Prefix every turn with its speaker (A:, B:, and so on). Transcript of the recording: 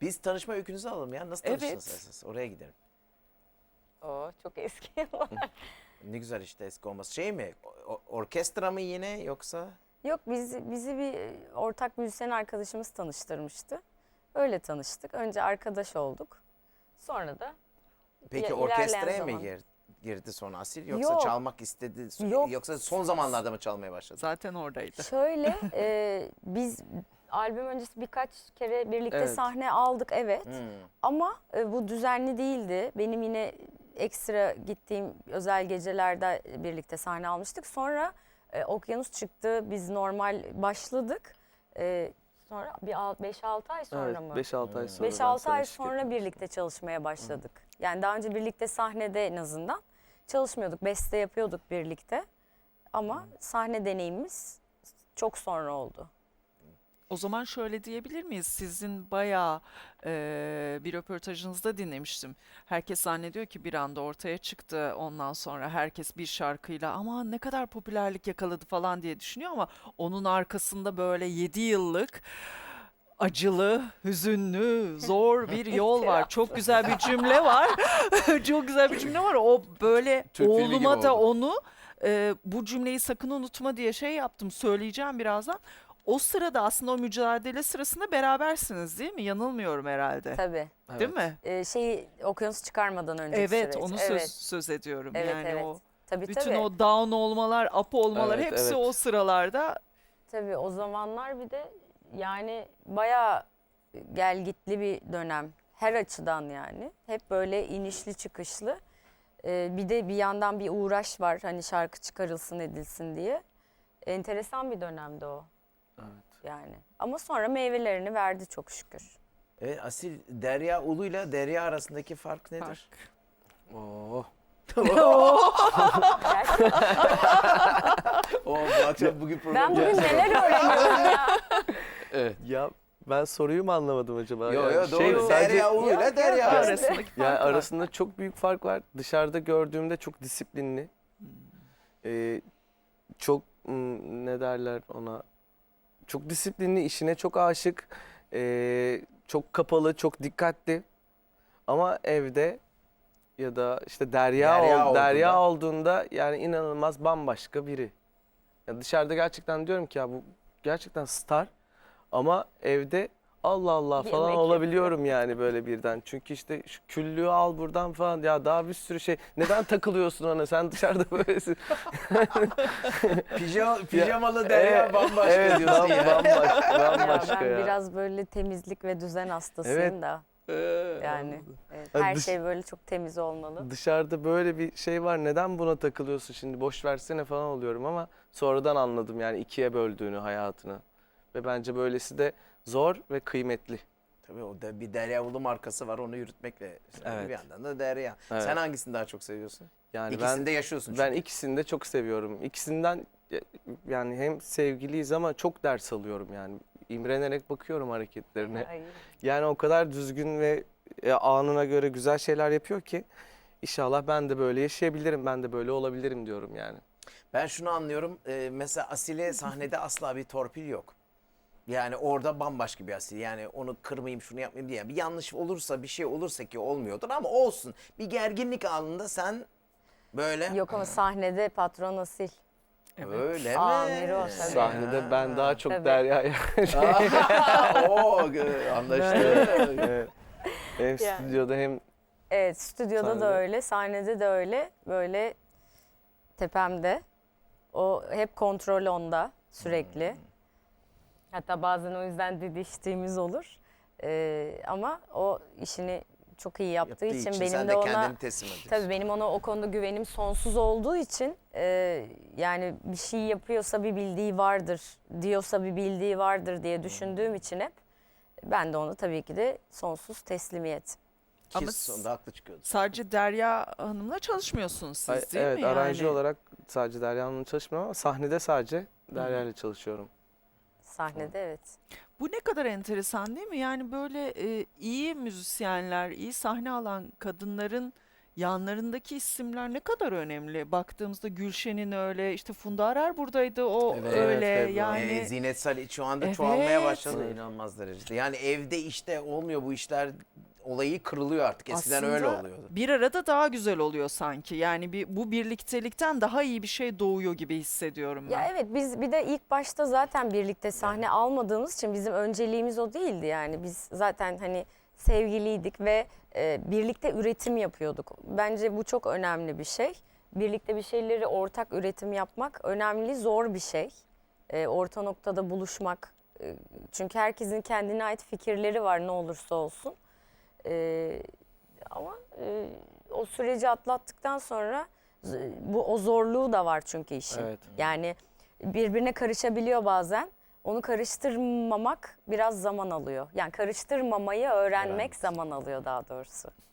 A: Biz tanışma öykünüzü alalım ya. Nasıl tanıştınız esas? Oraya gidelim.
B: O çok eski yıllar.
A: Ne güzel işte eski olması. Şey mi? Orkestra mı yine yoksa?
B: Yok bizi bir ortak müzisyen arkadaşımız tanıştırmıştı. Öyle tanıştık. Önce arkadaş olduk. Sonra da
A: Peki
B: ilerleyen
A: orkestraya mı
B: zaman.
A: girdi sonra Asil? Yoksa
B: Yok.
A: çalmak istedi?
B: Yok.
A: Yoksa son zamanlarda mı çalmaya başladı?
C: Zaten oradaydı.
B: Şöyle biz albüm öncesi birkaç kere birlikte
D: Evet.
B: sahne aldık evet.
A: Hmm.
B: Ama bu düzenli değildi. Benim yine ekstra gittiğim özel gecelerde birlikte sahne almıştık. Sonra Okyanus çıktı. Biz normal başladık. Sonra bir 5-6 ay sonra
D: Evet,
B: mı?
D: 5-6 ay sonra.
B: 5-6 ay sonra birlikte çalışmaya başladık. Yani daha önce birlikte sahnede en azından çalışmıyorduk. Beste yapıyorduk birlikte. Ama sahne deneyimimiz çok sonra oldu.
C: O zaman şöyle diyebilir miyiz? Sizin bayağı bir röportajınızda dinlemiştim. Herkes zannediyor ki bir anda ortaya çıktı. Ondan sonra herkes bir şarkıyla ama ne kadar popülerlik yakaladı falan diye düşünüyor ama onun arkasında böyle 7 yıllık acılı, hüzünlü, zor bir yol var. Çok güzel bir cümle var. Çok güzel bir cümle var. O böyle
A: Türk filmi gibi
C: oğluma da
A: oldu.
C: onu bu cümleyi sakın unutma diye şey yaptım. Söyleyeceğim birazdan. O sırada aslında o mücadele sırasında berabersiniz değil mi? Yanılmıyorum herhalde.
B: Tabii.
C: Değil mi?
B: Okyanus çıkarmadan önceki
C: Evet,
B: süreç.
C: onu
B: Evet.
C: söz ediyorum.
B: Evet,
C: Yani
B: evet.
C: o
B: Tabii
C: bütün
B: tabii.
C: o down olmalar, up olmalar
D: Evet,
C: hepsi
D: evet.
C: o sıralarda.
B: Tabii o zamanlar bir de yani bayağı gelgitli bir dönem. Her açıdan yani. Hep böyle inişli çıkışlı. Bir de bir yandan bir uğraş var. Hani şarkı çıkarılsın edilsin diye. Enteresan bir dönemdi o.
D: Evet.
B: Yani. Ama sonra meyvelerini verdi çok şükür.
A: Asil, Derya Ulu'yla Derya arasındaki fark nedir?
D: Oo.
A: Bu akşam bugün program.
B: Ben bugün neler öğreniyorum ya.
D: Evet. Ya ben soruyu mu anlamadım acaba?
A: Yo
D: Yani
A: yo doğru.
D: sadece
A: Derya Ulu'yla
B: Yok,
A: Derya
B: yok.
A: arasında.
C: Arasındaki fark
D: yani
C: var.
D: arasında çok büyük fark var. Dışarıda gördüğümde çok disiplinli. Çok ne derler ona? Çok disiplinli, işine çok aşık. Çok kapalı, çok dikkatli. Ama evde ya da işte Derya olduğunda yani inanılmaz bambaşka biri. Ya dışarıda gerçekten diyorum ki ya bu gerçekten star ama evde Allah Allah
B: Bir
D: falan
B: emek
D: olabiliyorum yani böyle birden. Çünkü işte şu küllüğü al buradan falan ya daha bir sürü şey. Neden takılıyorsun ona sen dışarıda böylesin.
A: Pijamalı Derya bambaşka
D: Evet,
A: diyorsun ya.
D: bambaşka
B: Ben
D: ya.
B: biraz böyle temizlik ve düzen hastasıyım
D: Evet.
B: da. Yani evet,
D: Ha,
B: her şey böyle çok temiz olmalı.
D: Dışarıda böyle bir şey var neden buna takılıyorsun şimdi boş versene falan oluyorum ama sonradan anladım yani ikiye böldüğünü hayatını. Ve bence böylesi de zor ve kıymetli.
A: Tabii o da bir Derya Ulu markası var onu yürütmekle.
D: Evet.
A: Bir yandan da Derya.
D: Evet.
A: Sen hangisini daha çok seviyorsun?
D: Yani
A: İkisini de yaşıyorsun çünkü.
D: ben ikisini de çok seviyorum. İkisinden yani hem sevgiliyiz ama çok ders alıyorum yani. İmrenerek bakıyorum hareketlerine.
B: Ay.
D: Yani o kadar düzgün ve anına göre güzel şeyler yapıyor ki inşallah ben de böyle yaşayabilirim, ben de böyle olabilirim diyorum yani.
A: Ben şunu anlıyorum. Mesela Asil'e sahnede asla bir torpil yok. Yani orada bambaşka bir Asil. Yani onu kırmayayım, şunu yapmayayım diye. Bir yanlış olursa, bir şey olursa ki olmuyordur ama olsun. Bir gerginlik anında sen böyle
B: Yok ama sahnede patron asil.
A: öyle mi?
B: Amiri o tabii.
D: Sahnede ben daha çok
B: Tabii.
D: Derya'ya
A: Oo, anlaştık.
D: evet. Hem stüdyoda hem
B: Evet, stüdyoda
D: Sahnede.
B: da öyle, sahnede de öyle. Böyle tepemde. O hep kontrol onda sürekli. Hatta bazen o yüzden didiştiğimiz olur. Ama o işini çok iyi yaptığı için benim
A: sen
B: de
A: de
B: ona
A: kendini teslim ediyorsun.
B: tabii benim ona o konuda güvenim sonsuz olduğu için yani bir şey yapıyorsa bir bildiği vardır, diyorsa bir bildiği vardır diye düşündüğüm için hep ben de ona tabii ki de sonsuz teslimiyet.
A: Ki
C: Ama
A: sonunda haklı çıkıyordu.
C: Sadece Derya Hanım'la çalışmıyorsunuz siz değil
D: evet
C: mi?
D: aracı
C: Yani
D: olarak sadece Derya Hanım'la çalışmıyorum ama sahnede sadece Derya ile çalışıyorum.
B: Sahnede evet.
C: bu ne kadar enteresan değil mi? Yani böyle iyi müzisyenler, iyi sahne alan kadınların yanlarındaki isimler ne kadar önemli. Baktığımızda Gülşen'in öyle, işte Funda Arar buradaydı, o
A: Evet,
C: öyle
D: evet,
C: yani.
A: Zinet Salih şu anda
C: Evet.
A: çoğalmaya başladı inanılmaz derecede. Yani evde işte olmuyor bu işler, olayı kırılıyor artık. Eskiden öyle
C: Aslında
A: oluyordu.
C: bir arada daha güzel oluyor sanki. Yani bu birliktelikten daha iyi bir şey doğuyor gibi hissediyorum ben.
B: Ya evet, biz bir de ilk başta zaten birlikte sahne almadığımız için bizim önceliğimiz o değildi yani. Biz zaten hani sevgiliydik ve birlikte üretim yapıyorduk. Bence bu çok önemli bir şey. Birlikte bir şeyleri ortak üretim yapmak önemli, zor bir şey. Orta noktada buluşmak. Çünkü herkesin kendine ait fikirleri var ne olursa olsun. Ama o süreci atlattıktan sonra o zorluğu da var çünkü işin.
D: Evet.
B: Yani birbirine karışabiliyor bazen. Onu karıştırmamak biraz zaman alıyor. Yani karıştırmamayı öğrenmek zaman alıyor daha doğrusu.